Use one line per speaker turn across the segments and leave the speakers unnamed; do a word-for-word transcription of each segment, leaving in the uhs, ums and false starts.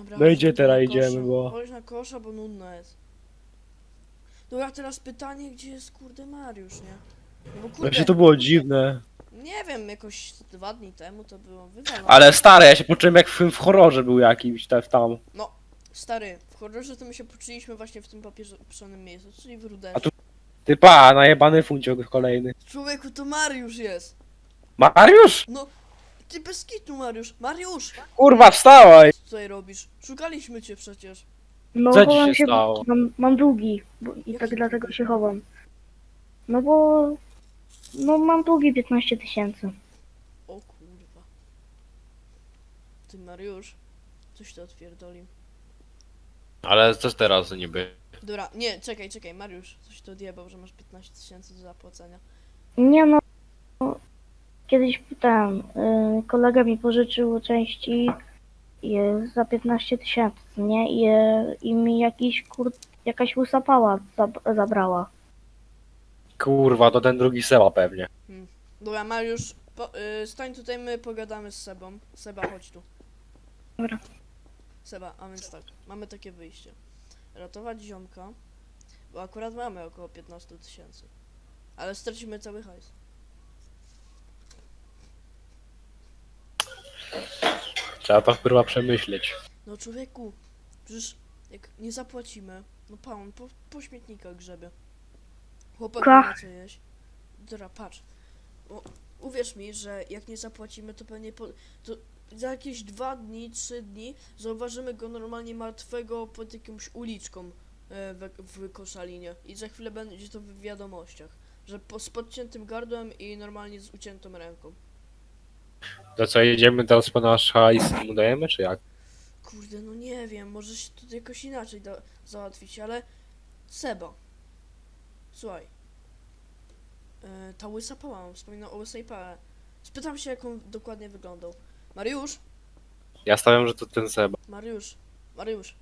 Dobra,
No i
chodź
gdzie
na
teraz
kosza.
idziemy, bo...
Chodź na kosza, bo nudno jest. Dobra, teraz pytanie, gdzie jest kurde Mariusz, nie? No bo
Właśnie
kurde,
to było dziwne.
nie wiem, jakoś dwa dni temu to było wywalone.
Ale stary, ja się poczułem jak w, w horrorze był jakimś te- tam.
No, stary, w horrorze to my się poczuliśmy właśnie w tym papieżonym miejscu, czyli w
A
Rudeszcie.
tu Ty pa, najebany funciok kolejny.
Człowieku, to Mariusz jest!
Mariusz!
No, ty bez kitu, Mariusz! Mariusz!
Kurwa, wstawaj!
Co tutaj robisz? Szukaliśmy cię przecież.
No,
Co ci
chowam
się
się,
stało?
mam, mam długi bo, i
Jaki
tak dlatego
długi?
się chowam. No bo, no mam długi piętnaście tysięcy.
O kurwa. Ty, Mariusz, coś to odpierdolił.
Ale co teraz niby?
Dobra, nie, czekaj, czekaj, Mariusz, coś to odjebał, że masz piętnaście tysięcy do zapłacenia.
Nie no, kiedyś ten, y, kolega mi pożyczył części y, za piętnaście tysięcy, nie? I, y, I mi jakiś kur... jakaś łysapała zab zabrała.
Kurwa, to ten drugi Seba pewnie.
Dobra, Mariusz, po, y, stań tutaj, my pogadamy z Sebą. Seba, chodź tu.
Dobra.
Seba, a więc tak, mamy takie wyjście. Ratować ziomka, bo akurat mamy około piętnaście tysięcy. Ale stracimy cały hajs.
Trzeba to kurwa przemyśleć.
No człowieku, przecież jak nie zapłacimy, no pa, on po, po śmietnikach grzebie. Chłopak nie
Ka.
ma co jeść. Dobra, patrz. O, uwierz mi, że jak nie zapłacimy, to pewnie po, to za jakieś dwa dni, trzy dni zauważymy go normalnie martwego pod jakąś uliczką e, w, w Koszalinie. I za chwilę będzie to w wiadomościach. Że po, z podciętym gardłem i normalnie z uciętą ręką.
To co, jedziemy teraz po nasz hajs i mu dajemy, czy jak?
Kurde, no nie wiem, może się to jakoś inaczej da, załatwić, ale Seba, słuchaj, e, ta łysa pała, on wspominał o łysej pale. Spytam się, jak on dokładnie wyglądał. Mariusz,
Ja stawiam, że to ten Seba.
Mariusz, Mariusz,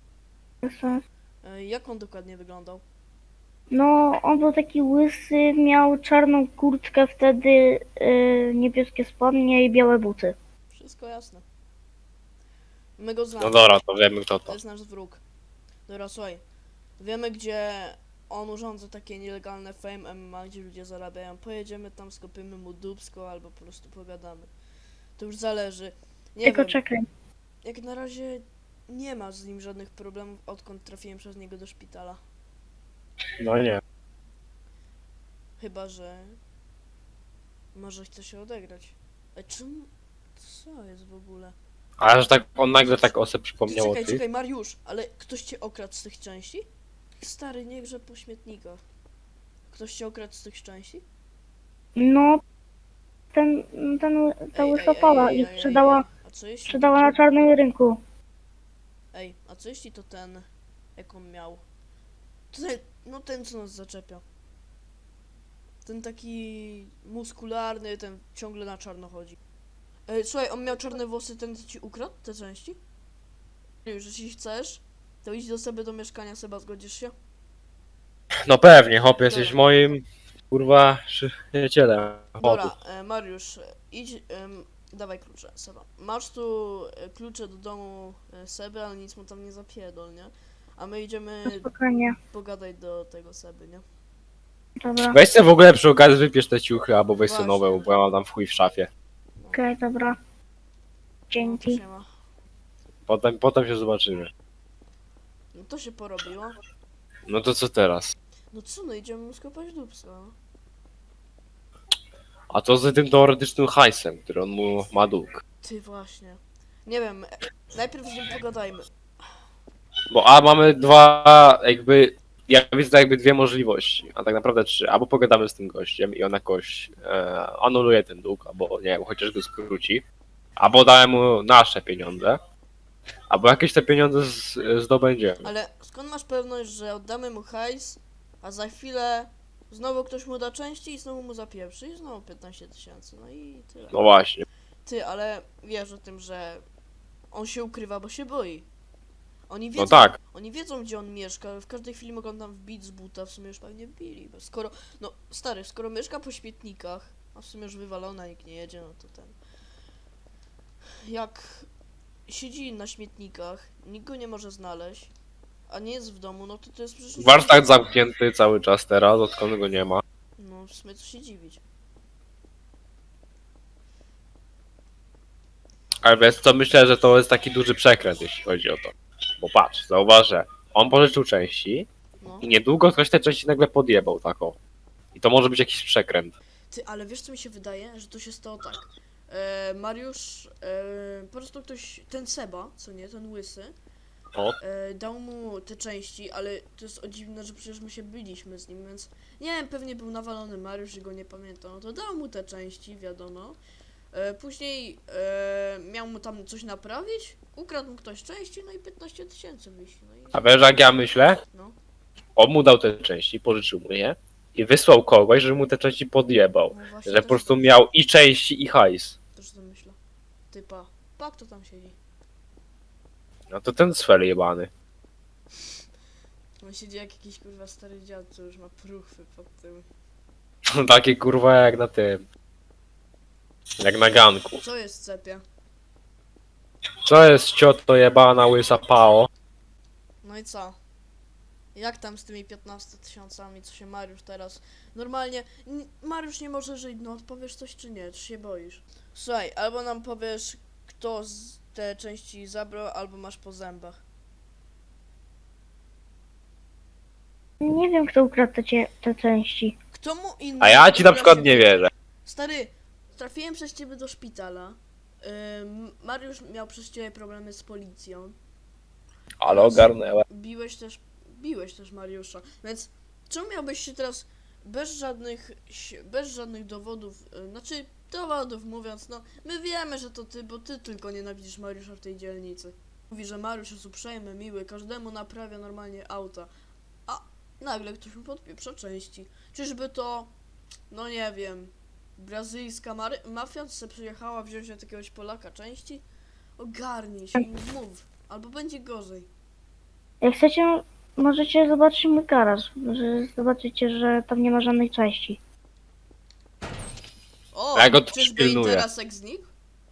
e, jak on dokładnie wyglądał?
No, on był taki łysy, miał czarną kurtkę wtedy, y, niebieskie spodnie i białe buty.
Wszystko jasne. My go znamy,
No dobra, to wiemy kto
to
to.
jest nasz wróg. Dobra, słuchaj, wiemy, gdzie on urządza takie nielegalne fame M M A, gdzie ludzie zarabiają. Pojedziemy tam, skopimy mu dupsko albo po prostu pogadamy. To już zależy. Nie
Tylko
wiem,
czekaj.
jak na razie nie ma z nim żadnych problemów, odkąd trafiłem przez niego do szpitala.
No nie.
Chyba, że może chce się odegrać. A czym? Co jest w ogóle?
Ale że tak on nagle tak o sobie
Ty,
przypomniał o
czekaj,
tych.
czekaj, Mariusz, ale ktoś cię okradł z tych części? Stary, nie grze po śmietnikach. Ktoś cię okradł z tych części?
No, ten, ten, ta
Ej, ej,
łysapała
ej, ej,
ich
ej,
sprzedała,
ej. A co jeśli
sprzedała
to...
na czarnym rynku.
Ej, a co jeśli to ten, jak on miał? To ten, no ten, co nas zaczepia. Ten taki muskularny, ten ciągle na czarno chodzi. Ej, słuchaj, on miał czarne włosy, ten co ci ukradł te części? Już, jeśli chcesz, to idź do sobie do mieszkania, Seba, zgodzisz się?
No pewnie, hop, jesteś
Dobra.
moim kurwa przyjacielem.
Dobra,
Hopu.
e, Mariusz, e, idź, em, dawaj klucze, Seba. Masz tu e, klucze do domu e, Seby, ale nic mu tam nie zapierdol, nie? A my idziemy
Spokojnie.
pogadać do tego Seby, nie?
Dobra.
Weź sobie w ogóle przy okazji wypiesz te ciuchy, albo weź sobie
Właśnie.
nowe, bo ja mam tam w chuj w szafie.
Okej, dobra.
No, to
Dzięki.
się ma.
Potem, potem się zobaczymy.
No to się porobiło.
No to co teraz?
No co, no idziemy mu skopać dupsko, no.
A co z tym teoretycznym hajsem, który on mu ma dług?
Ty właśnie. Nie wiem, e, najpierw z nim pogadajmy.
Bo a mamy dwa jakby, ja widzę jakby dwie możliwości, a tak naprawdę trzy. Albo pogadamy z tym gościem i on jakoś e, anuluje ten dług, albo nie wiem, chociaż go skróci. Albo damy mu nasze pieniądze. Albo jakieś te pieniądze z, zdobędziemy.
Ale skąd masz pewność, że oddamy mu hajs, a za chwilę znowu ktoś mu da części i znowu mu zapieprzy i znowu piętnaście tysięcy, no i tyle.
No właśnie.
Ty, ale wiesz o tym, że on się ukrywa, bo się boi. Oni wiedzą,
No tak.
oni wiedzą, gdzie on mieszka, w każdej chwili mogą tam wbić z buta, w sumie już pewnie wbili, bo skoro, no stary, skoro mieszka po śmietnikach, a w sumie już wywalona, nikt nie jedzie, no to ten... Jak siedzi na śmietnikach, nikt go nie może znaleźć, a nie jest w domu, no to to jest przecież...
Warsztat zamknięty cały czas teraz, odkąd go nie ma.
No, w sumie co się dziwić.
Ale wiesz co, myślę, że to jest taki duży przekręt, jeśli chodzi o to. Bo patrz, zauważ, że on pożyczył części
No.
i niedługo ktoś te części nagle podjebał taką. I to może być jakiś przekręt.
Ty, ale wiesz co mi się wydaje? Że to się stało tak. E, Mariusz, e, po prostu ktoś, ten Seba, co nie, ten łysy,
O,
e, dał mu te części, ale to jest o dziwne, że przecież my się byliśmy z nim, więc nie wiem, pewnie był nawalony Mariusz i go nie pamiętam, no to dał mu te części, wiadomo. E, później e, miał mu tam coś naprawić, ukradł mu ktoś części, no i piętnaście tysięcy wyszli, no i...
a wiesz jak ja myślę?
No,
On mu dał te części, pożyczył mu je i wysłał kogoś, żeby mu te części podjebał.
no właśnie
Że
też
po prostu
tak-
miał i części, i hajs.
Też to myślę. Typa, pak to tam siedzi.
No to ten sfer jebany.
On siedzi jak jakiś kurwa stary dziad, co już ma pruchwy pod tym.
Takie kurwa jak na tym. Jak na ganku.
Co jest cepia?
Co jest cioto jebana łysa pao?
No i co? Jak tam z tymi piętnastoma tysiącami, co się Mariusz teraz... Normalnie, n- Mariusz nie może żyć, no odpowiesz coś czy nie, czy się boisz? Słuchaj, albo nam powiesz, kto z te części zabrał, albo masz po zębach.
Nie wiem, kto ukradł te, cie- te części.
Kto mu inny...
A ja ci na
Dobra,
przykład
się-
nie wierzę.
Stary, trafiłem przez ciebie do szpitala. Ym, Mariusz miał przez ciebie problemy z policją.
Ale ogarnęła.
Biłeś też, biłeś też Mariusza, więc czemu miałbyś się teraz bez żadnych, ś- bez żadnych dowodów, y, znaczy dowodów mówiąc, no my wiemy, że to ty, bo ty tylko nienawidzisz Mariusza w tej dzielnicy. Mówi, że Mariusz jest uprzejmy, miły, każdemu naprawia normalnie auta, a nagle ktoś mu podpieprza części. Czyżby to, no nie wiem, brazylijska mary- mafia se przyjechała wziąć od jakiegoś Polaka części? Ogarnij się i mów, albo będzie gorzej.
Jak chcecie, możecie zobaczyć mój garaż. Że zobaczycie, że tam nie ma żadnej części.
O,
Ja go tu
czyżby
pilnuję.
Interas znikł?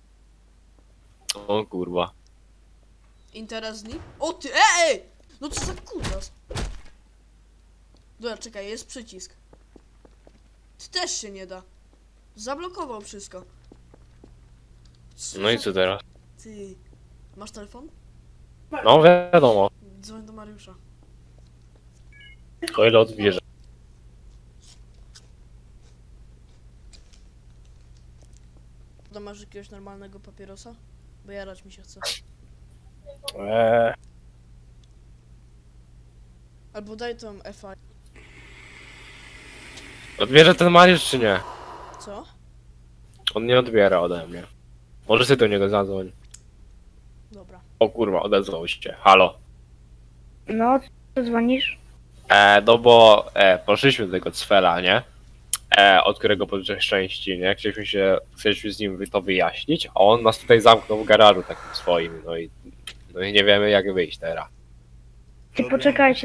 O kurwa.
Interas znikł? O ty, ej! No co za kutas? Dobra, czekaj, jest przycisk. Ty też się nie da. Zablokował wszystko.
No i
za-
co teraz?
Ty, masz telefon?
No wiadomo.
Dzwoń do Mariusza.
O ile odbierze.
To masz jakiegoś normalnego papierosa? Bo jarać mi się chce.
Eee.
Albo daj tą F I.
Odbierze ten Mariusz czy nie?
Co?
On nie odbiera ode mnie. Może ty do niego zadzwoń.
Dobra.
O kurwa, odezwał się. Halo.
No, co dzwonisz?
E, no bo e, poszliśmy do tego Cfela, nie? E, od którego pożyczyłeś części, nie? Chcieliśmy się, chcieliśmy z nim to wyjaśnić, a on nas tutaj zamknął w garażu takim swoim, no i, no i nie wiemy jak wyjść teraz.
Ty poczekajcie.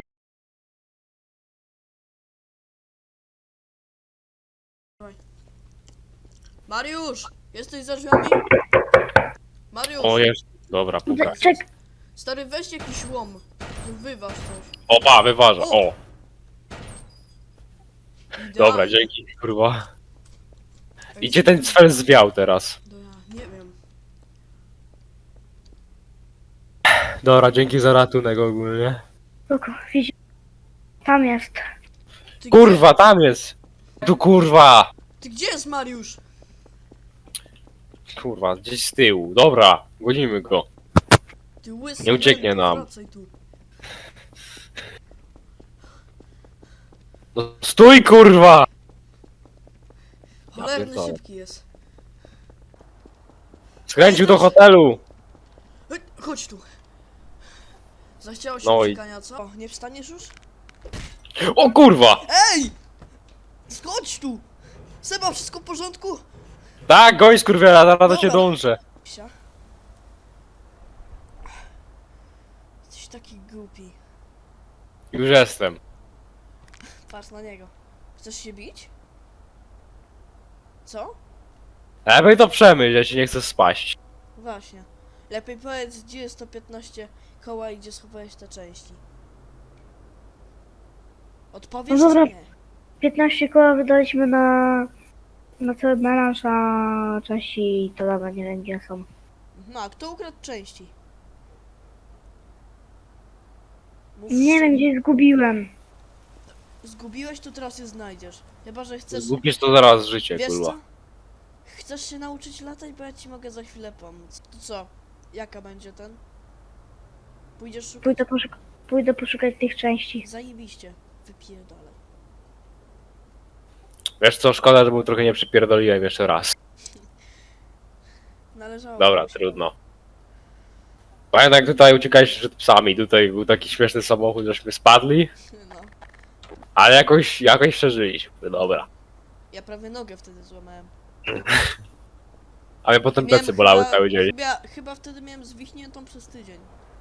Mariusz! Jesteś za drzwiami? Mariusz!
O jest, dobra, puka.
Czek,
Stary, weź jakiś łom. Wyważ coś.
Opa, wyważa, o! Dobra,
Idealnie.
dzięki, kurwa.
Ej,
I gdzie ten Cfel zwiał teraz?
No ja nie wiem.
Dobra, dzięki za ratunek ogólnie.
spoko, widz- tam jest.
Ty
Kurwa, tam jest! Tu kurwa!
Gdzie, ty gdzie jest Mariusz?
Kurwa, gdzieś z tyłu. Dobra, gonimy go.
Ty łysy,
Nie ucieknie
Męko,
nam.
Wracaj tu.
No stój kurwa!
Cholerny
pierdolę.
szybki jest.
Skręcił do hotelu!
Ej, chodź tu. Zachciało się
No i-
uciekania, co? O, nie wstaniesz już?
O kurwa!
Ej! Schodź tu! Seba, wszystko w porządku?
Tak, goń skurwiela, zaraz do cię
Dobra.
dążę.
Psia. Jesteś taki głupi.
Już jestem.
Patrz na niego. Chcesz się bić? Co?
Lepiej to przemyśl, ja ci nie chcę spaść.
Właśnie. Lepiej powiedz, gdzie jest to piętnaście koła i gdzie schowałeś te części. Odpowiedz
No dobra.
czy nie.
piętnaście koła wydaliśmy na, na cały melanż, a części to dobra, nie wiem gdzie są.
No, a kto ukradł części? Mów
Nie wiem
szczerze.
gdzie zgubiłem.
Zgubiłeś, to teraz je znajdziesz. Chyba, że chcesz...
Zgubisz to zaraz życie,
Wiesz
kurwa.
co? Chcesz się nauczyć latać, bo ja ci mogę za chwilę pomóc. To co? Jaka będzie ten? Pójdziesz szukać?
Pójdę, poszuk pójdę poszukać tych części.
Zajebiście. Wypierdolę.
Wiesz co, szkoda, że mu trochę nie przypierdoliłem jeszcze raz.
Należało.
Dobra, trudno. Pamiętam jak tutaj uciekaliście przed psami, tutaj był taki śmieszny samochód, żeśmy spadli,
No.
ale jakoś, jakoś przeżyliśmy, dobra.
Ja prawie nogę wtedy złamałem.
A mnie potem
Miałem
plecy bolały
chyba-
cały dzień.
Chyba, chyba wtedy miałem zwichniętą przez tydzień.